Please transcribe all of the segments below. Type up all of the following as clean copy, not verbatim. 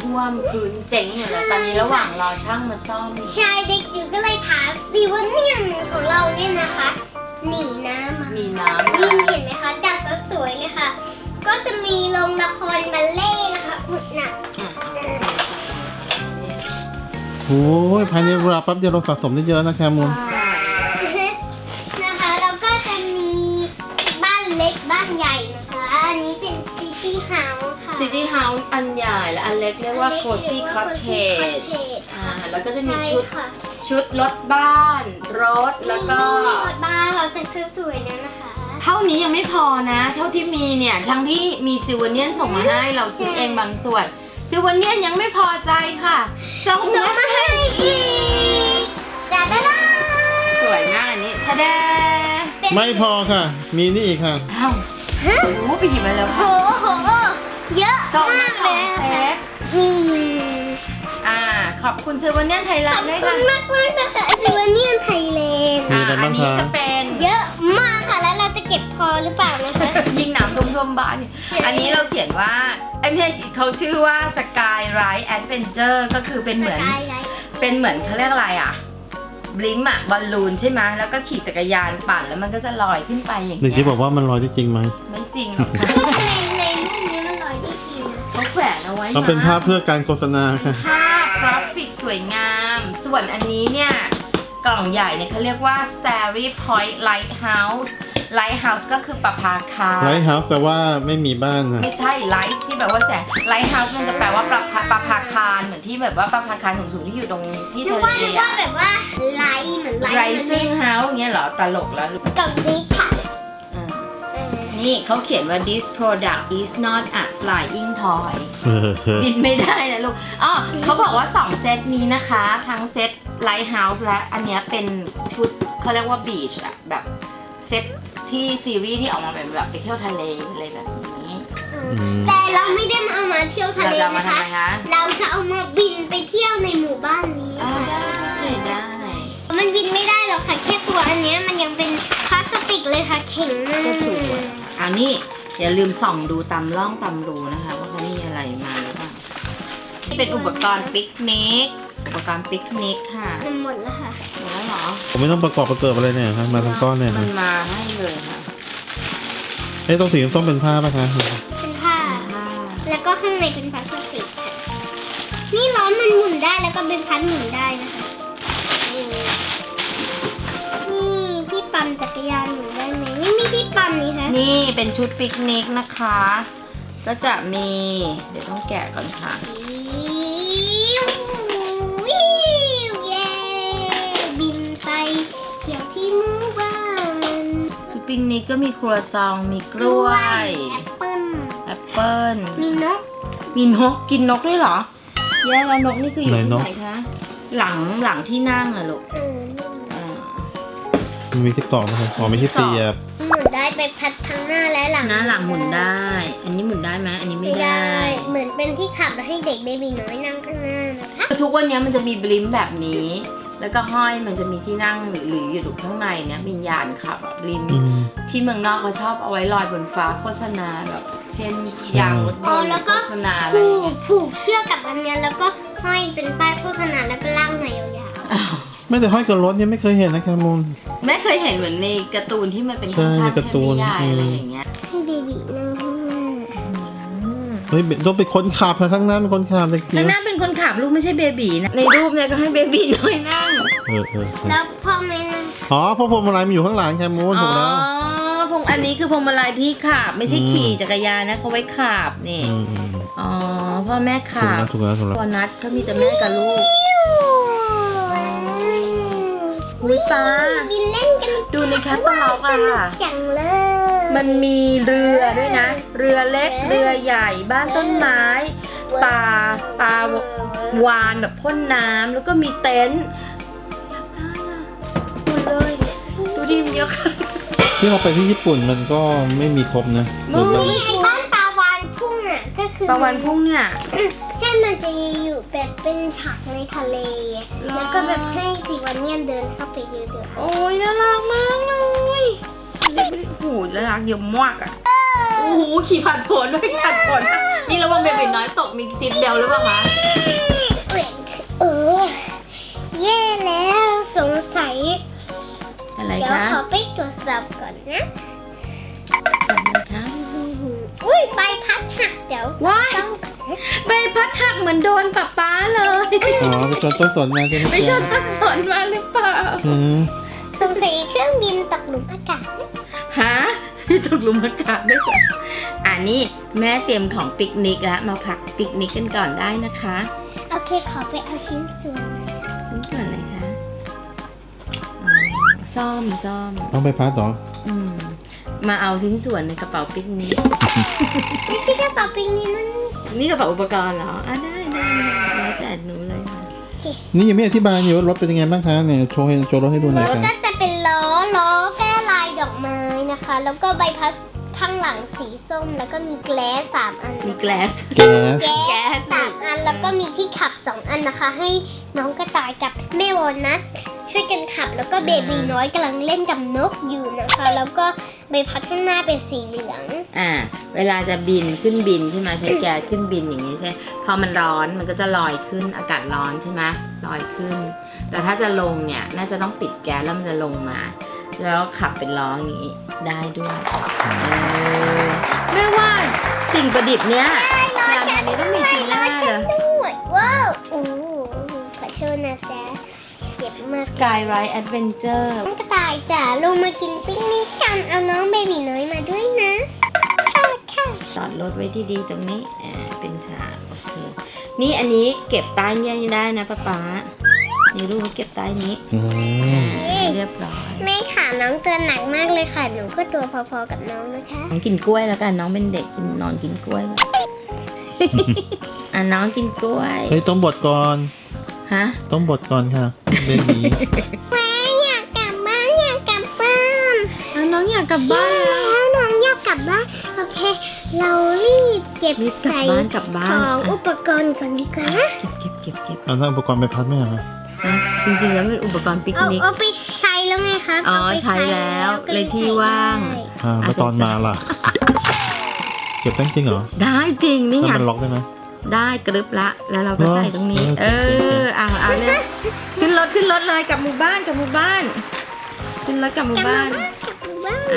ท่วมพื้นเจ๋งอยู่เลยตอนนี้ระหว่างรอช่างมาซ่อมใช่เด็กจิ๋วก็เลยพาซีวเนียนของเราเนี่ยนะคะหนีน้ำมามีน้ำนี่เห็นไหมคะจัดซะสวยเลยค่ะ ก็จะมีโรงละครบัลเล่ต์นะคะอุดหนักโอ้ยภายในเวลาแป๊บเดียวเราสะสมได้เยอะนะแคมูลนะคะแล้วก็จะมีบ้านเล็กบ้านใหญ่นะคะอันนี้เป็นซิตี้เฮาส์ค่ะซิตี้เฮาส์อันใหญ่และอันเล็กเรียกว่า Cozy Cottage แล้วก็จะมีชุดรถบ้านรถแล้วก็มีรถบ้านเราจะซื้อสวยนะนะคะเท่านี้ยังไม่พอนะ เท่าที่มีเนี่ยทั้งที่มีซิวเนียนส่งมาให้เราซื้อเองบางส่วนซิวเนียนยังไม่พอใจค่ะส่งมาให้อีกจ้าด้าสวยมากอันนี้ทะเดไม่พอค่ะ มีนี่อีกค่ะอ้าวโอ้โหไปหยิบมาแล้วโหค่ะโหเยอะส่งมากสเลองยเซตนี่ขอบคุณซิวเนียนไทยแลขอน บด์ด้วยคุค่ะณมากมากนะคะซิวเนียนไทยแลนด์มีอะไรอับ้างนี้คะจะเป็นเยอะมากค่ะแล้วเราจะเก็บพอหรือเปล่านะคะยิงหนามท่วมๆบ้านเนี่ยอันนี้เราเขียนว่าไอ้ไม่ใช่เขาชื่อว่า Sky Ride Adventure ก็คือเป็นเหมือนสกายไลท์เป็นเหมือนเขาเรียกอะไรอ่ะบลิมอะบอลลูนใช่ไหมแล้วก็ขี่จักรยานปั่นแล้วมันก็จะลอยขึ้นไปอย่างเด็กเงี้ที่ยบอกว่ามันลอยได้จริงไหมไม่จริงหรอกค่ะก็ในรูปนี้มันลอยได้จริงนะเขาแขวนเอาไว้มันเป็นภาพเพื่อการโฆษณาค่ะภาพกราฟิกสวยงาม ส่วนอันนี้เนี่ยกล่องใหญ่เนี่ยเขาเรียกว่า Starry Point Lighthouse Lighthouse ก็คือประภาคารไลท์เฮาส์แปลว่าไม่มีบ้านนะไม่ใช่ไลท์ที่แบบว่าแสง Lighthouse มันจะแปลว่าประภาคารเหมือนที่แบบว่าประภาคารสูงๆที่อยู่ตรงที่นึกทะว่าเลนึกว่าแบบว่าไลท์เหมือนไลท์ Rising House อย่างเงี้ยเหรอตลกแล้วหรือเปล่ากล่องนี้ค่ะอ่านี่เขาเขียนว่า this product is not a flying toy บินไม่ได้นะลูกอ๋อเขาบอกว่า 2 เซตนี้นะคะ ทั้งเซต Lighthouse และอันเนี้ยเป็นชุดเขาเรียกว่า beach อะแบบเซตที่ซีรีส์ที่ออกมาเป็นแบบไปเที่ยวทะเลอะไรแบบนี้แต่เราไม่ได้เอามาเที่ยวทะเราเลจะเอามานะทำคะไมคะเราจะเอามาบินไปเที่ยวในหมู่บ้านนี้อ๋อได้มันบินไม่ได้หรอกค่ะแค่ตัวอันเนี้ยมันยังเป็นพลาสติกเลยค่ะแข็งมากก็ถูกเอานี่อย่าลืมส่องดูตามร่องตามรูนะคะว่าเขามีอะไรมาหรือเปล่านี่เป็นอุปกรณ์ปิกนิกอุปกรณ์ปิกนิกค่ะมันหมดแล้วค่ะหมดแล้วเหรอผมไม่ต้องประกอบประเกิดอะไรเนี่ยครับมาทั้งก้อนเนี่ยมันะนมาให้เลยค่ะเอ้ยต้องสีต้องเป็นผ้าป่ะคะเป็นผ้า แล้วก็ข้างในเป็นพลาสติกค่ะนี่ล้อมันหมุนได้แล้วก็เป็นพัดหมุนได้นะคะนี่ที่ปั่นจักรยานหมุนได้ไหมไม่มีที่ปั่นนี่คะนี่เป็นชุดปิกนิกนะคะ ก็จะมีเดี๋ยวต้องแกะก่อนค่ะวิวเย้บินไปเที่ยวที่หมู่บ้านชุดปิกนิกก็มีครัวซองมีกล้วยแอปเปิ้ลแอปเปิ้ลมีนกมีนกกินนกด้วยเหรอแย่แล้วนกนี่คืออยู่ที่ไหนคะหลังที่นั่งอะลูกอ่ามันมีที่เกาะไหมคะอ๋อไม่ใช่เสียบหมุนได้ไปพัดทั้งหน้าและหลังหน้าหลังหมุนได้ อันนี้หมุนได้ไหมอันนี้ไม่ไม่ได้ได้ เหมือนเป็นที่ขับแล้วให้เด็กเบบีน้อยนั่งข้างหน้านะคะทุกวันนี้มันจะมีบลิมแบบนี้ แล้วก็ห้อยมันจะมีที่นั่งหรืออยู่ข้างในเนี่ยวิญญาณขับอะบลิม ที่เมืองนอกเขาชอบเอาไว้ลอยบนฟ้าโฆษณาแบบเช่นยางรถยนต์โฆษณาอะไรอย่างเงี้ยผูกเชือกกับอันเนี้ยแล้วก็ห้อยเป็นป้ายโฆษณาแล้วก็ล่างหน่อยยาวไม่แต่ห้อยกับรถเนี่ยไม่เคยเห็นนะแคมูลแม่เคยเห็นเหมือนในการ์ตูนที่มันเป็นใช่ข้างในๆการ์ตูนเทพนิยายอะไรอย่างเงี้ยๆให้เบบีนั่งข้างหน้าเฮ้ยต้องเป็นคนขับค่ะข้างหน้าเป็นคนขับเลยข้างหน้าเป็นคนขับลูกไม่ใช่เบบีนะในรูปเนี่ยก็ให้เบบีน้อยนั่งแล้วพ่อแม่นั่งอ๋อเพราะพวงมาลัยมันอยู่ข้างหลังแคมูลถูกแล้วพวงอันนี้คือพวงมาลัยที่ขับไม่ใช่ขี่จักรยานนะเขาไว้ขับนี่อืมอ๋อพ่อแม่ถูกขับแล้วถูกแล้วถูกแล้วพอนัดก็มีแต่แม่กับลูกอุ้ยตาบินเล่นกันดูในแคปเปอร์ล็อกสอะนุกค่ะจังเลยมันมีเรือด้วยนะ เรือเล็กเรือใหญ่บ้านต้นไม้ปลาวานแบบพ่นน้ำแล้วก็มีเต็นท์หมดเลยดูดิมันเยอะค่ะที่เราไปที่ญี่ปุ่นมันก็ไม่มีครบนะมึงนี่ไอ้บ้านปลาวานพุ่งอ่ะก็คือปลาวานพุ่งเนี่ยใช่มันจะอยู่แบบเป็นฉากในทะเล แล้วก็แบบให้สีวันเนียนเดินเข้าไปเดือดโอ้ยน่ารักมากเลยโอ้โหน่ารักเยอะมากอ่ะโอ้โหขี่ผ่านผลด้วยผ่านผลนี่ระวังเบบีน้อยตกมีซีทเบลหรือเปล่าคะเออแย่แล้วสงสัยอะไรเดี๋ยวคะขอไปตรวจสอบก่อนนะทำอะไรคะอุ้ยใบพัดหักเดี๋ยวว้ายต้องใบพัดหักเหมือนโดนป๊าเลยอ๋อไปชนต้นสนมาใช่ไหมไปชนต้นสนมาหรือเปล่าอืมสงสัยเครื่องบินตกหลุมอากาศฮะมีตกหลุมอากาศด้วยเหรออันนี้แม่เตรียมของปิกนิกแล้วมาพักปิกนิกกันก่อนได้นะคะโอเคขอไปเอาชิ้นส่วนชิ้นส่วนอะไรคะอ๋อซ่อมต้องไปพัดเหรออืมมาเอาชิ้นส่วนในกระเป๋าปิกนิกไม่ใช่กระเป๋าปิกนิกนั่นนี่กระเป๋าอุปกรณ์เหรออ่ะได้แล้วแต่หนูเลยค่ะนี่ยังไม่อธิบายอยู่ว่ารถเป็นยังไงบ้างคะเนี่ยโชว์รถให้ดูหน่อยแล้วค่ะก็จะเป็นล้อแก้ลายดอกไม้นะคะ แล้วก็ใบพัดข้างหลังสีส้ม แล้วก็มีแกลส3อันมีแกลสแก๊สแก๊ส3อัน แล้วก็มีที่ขับ2อันนะคะ ให้น้องกระต่ายกับแม่วอลนัทช่วยกันขับ แล้วก็เบบีน้อยกำลังเล่นกับนกอยู่นะคะ แล้วก็ใบพัดข้างหน้าเป็นสีเหลืองเวลาจะบินขึ้นบินใช่ไหมใช้แก๊สขึ้นบินอย่างนี้ใช่พอมันร้อนมันก็จะลอยขึ้นอากาศร้อนใช่ไหมลอยขึ้น แต่ถ้าจะลงเนี่ยน่าจะต้องปิดแก๊สแล้วมันจะลงมา แล้วขับเป็นล้ออย่างนี้ได้ด้วยแม่ว่าสิ่งประดิษฐ์เนี้ยงานอันนี้ต้องมีจริงแน่ๆเลยด้วยว้าวโอ้ขอโทษนะจ๊ะเจ็บมาก Skyride Adventure น้องกระต่ายจ๋าลงมากินปิ้งนิกกัน เอาน้องเบบีน้อยมาด้วยนะ ค่ะจอดรถไว้ที่ดีตรงนี้เป็นฉากโอเคนี่อันนี้เก็บใต้เนี่ยได้นะป๊านี่ลูกเก็บใต้นี้อืมเรียบร้อยแม่ค่ะน้องตัวหนักมากเลยค่ะ หนูก็ตัวพอๆกับน้องนะคะน้องกินกล้วยแล้วกันน้องเป็นเด็กนอนกินกล้วยแบบ น้องกินกล้วยเฮ้ยต้องบดก่อนฮะต้องบดก่อนค่ะเบบีแม่อยากกลับบ้านอยากกลับบ้านน้องอยากกลับบ้านแล้วแล้วน้องอยากกลับบ้านโอเค เรารีบเก็บรีบกลับใส่บ้านกลับบ้าขนองอุปกรณ์ก่อนดีกว่านะเก็บเอาทั้งอุปกรณ์ไปพัดไหมอะคะฮะจริงๆแล้วเป็นอุปกรณ์ปิกนิกเอาไปใช้แล้วไงคะอ๋อเอาไปใช้แล้วก็เลยที่ว่างใส่ได้แล้วตอนมาล่ะ เก็บได้จริงเหรอได้จริงนี่แล้วไงมันล็อกได้ไหมได้กรึบละแล้วเราก็เหรอใส่ตรงนี้เออเอาเลยขึ้นรถเลยกลับหมู่บ้านขึ้นรถกลับหมู่บ้านกลับบ้าน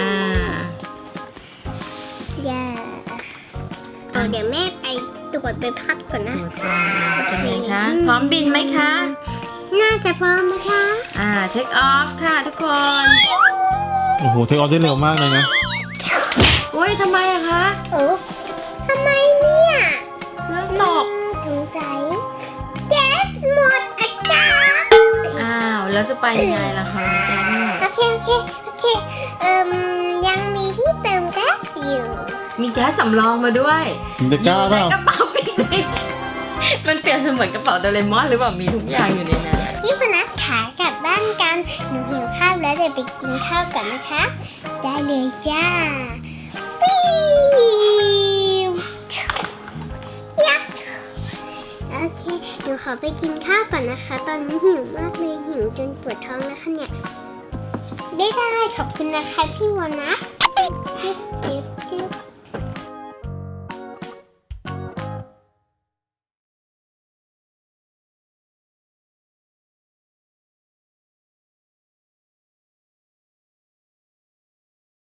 อย่าเดี๋ยวแม่ไปตรวจไปพักก่อนนะตัวก่อนเป็นไงคะพร้อมบินไหมคะน่าจะพร้อมนะคะ take off ค่ะทุกคนโอ้โหเทคออฟได้เร็วมากเลยนะอุ้ยทำไมอะคะโอ้ทำไมเนี่ยเครื่องตกสงสัยแก๊สหมดอาจารย์อ้าวแล้วจะไปยังไงล่ะคะแกเนี่ยโอเคยังมีที่เติมแก๊สอยู่มีแก๊สสำรองมาด้วยจะกล้าเปล่าอยู่ในกระเป๋าปิกนิกมันเปรียบเสมือนกระเป๋าโดเรมอนหรือเปล่ามีทุกอย่างอยู่ในนั้นพี่พนักขากลับบ้านกัน หนูหิวข้าวแล้วเดี๋ยวไปกินข้าวกันนะคะ ได้เลยจ้าฟิวยับโอเคหนูขอไปกินข้าวก่อนนะคะ ตอนนี้หิวมากเลยหิวจนปวดท้องแล้วค่ะเนี่ยได้ขอบคุณนะคะพี่วอนะจิ๊บ